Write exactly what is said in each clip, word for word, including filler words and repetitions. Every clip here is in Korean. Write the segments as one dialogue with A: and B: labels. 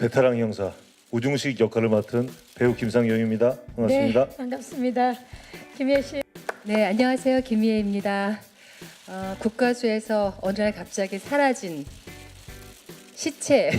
A: 베테랑 형사 우중식 역할을 맡은 배우 김상영입니다. 반갑습니다.
B: 네, 반갑습니다. 김혜 씨.
C: 네, 안녕하세요. 김희애입니다. 어, 국가수에서 어느 날 갑자기 사라진 시체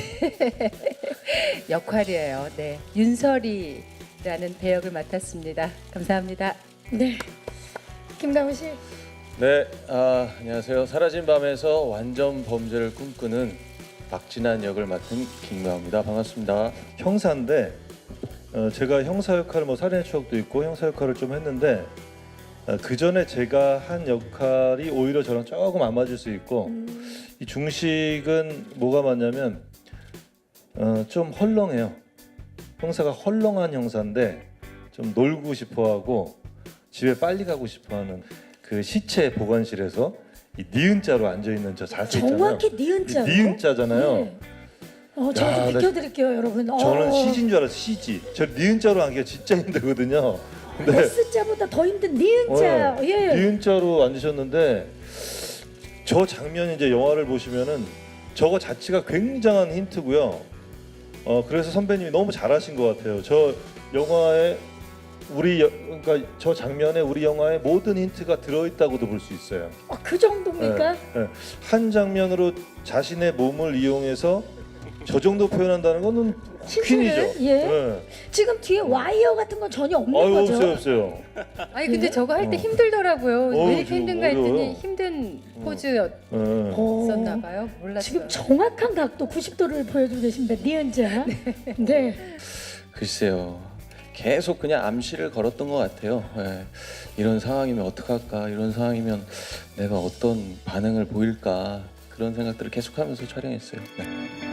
C: 역할이에요. 네, 윤설이라는 배역을 맡았습니다. 감사합니다.
B: 네, 김다우 씨.
D: 네, 아, 안녕하세요. 사라진 밤에서 완전 범죄를 꿈꾸는 박진한 역을 맡은 김명호입니다. 반갑습니다.
A: 형사인데 어, 제가 형사 역할을 뭐 살인의 추억도 있고 형사 역할을 좀 했는데 어, 그 전에 제가 한 역할이 오히려 저랑 조금 안 맞을 수 있고
B: 음,
A: 이 중식은 뭐가 맞냐면 어, 좀 헐렁해요. 형사가 헐렁한 형사인데 좀 놀고 싶어하고 집에 빨리 가고 싶어하는 그 시체 보관실에서 이 니은자로 앉아 있는 저 자세 있잖아요.
B: 정확히 니은자.
A: 니은자잖아요.
B: 네. 어, 제가
A: 야,
B: 좀
A: 나-
B: 비켜드릴게요, 여러분.
A: 저는
B: 어,
A: 시지인 줄 알았어요. 시지. 저 니은자로 앉기가 진짜 힘들거든요. 근데
B: S자보다 더 힘든 니은자.
A: 어,
B: 예.
A: 니은자로 앉으셨는데 저 장면 이제 영화를 보시면은 저거 자체가 굉장한 힌트고요. 어 그래서 선배님이 너무 잘하신 것 같아요. 저 영화에 우리 여, 그러니까 저 장면에 우리 영화에 모든 힌트가 들어있다고도 볼 수 있어요.
B: 어, 그 정도입니까?
A: 예, 예. 한 장면으로 자신의 몸을 이용해서 저 정도 표현한다는 거는
B: 신기해요.
A: 퀸이죠.
B: 예.
A: 예.
B: 지금 뒤에 와이어 같은 건 전혀 없는
A: 아유
B: 거죠?
A: 없어요 없어요.
C: 아니 근데
B: 예?
C: 저거 할 때
A: 어.
C: 힘들더라고요.
A: 어우,
C: 왜 이렇게
A: 지금
C: 힘든가 했더니
A: 어려워요.
C: 힘든
A: 어.
C: 포즈였었나
A: 예.
B: 어,
C: 봐요. 몰랐어요.
B: 지금 정확한 각도 구십 도를 보여주고 계십니다. 니은자. 네.
D: 글쎄요. 계속 그냥 암시를 걸었던 것 같아요. 예. 이런 상황이면 어떡할까? 이런 상황이면 내가 어떤 반응을 보일까? 그런 생각들을 계속하면서 촬영했어요. 네.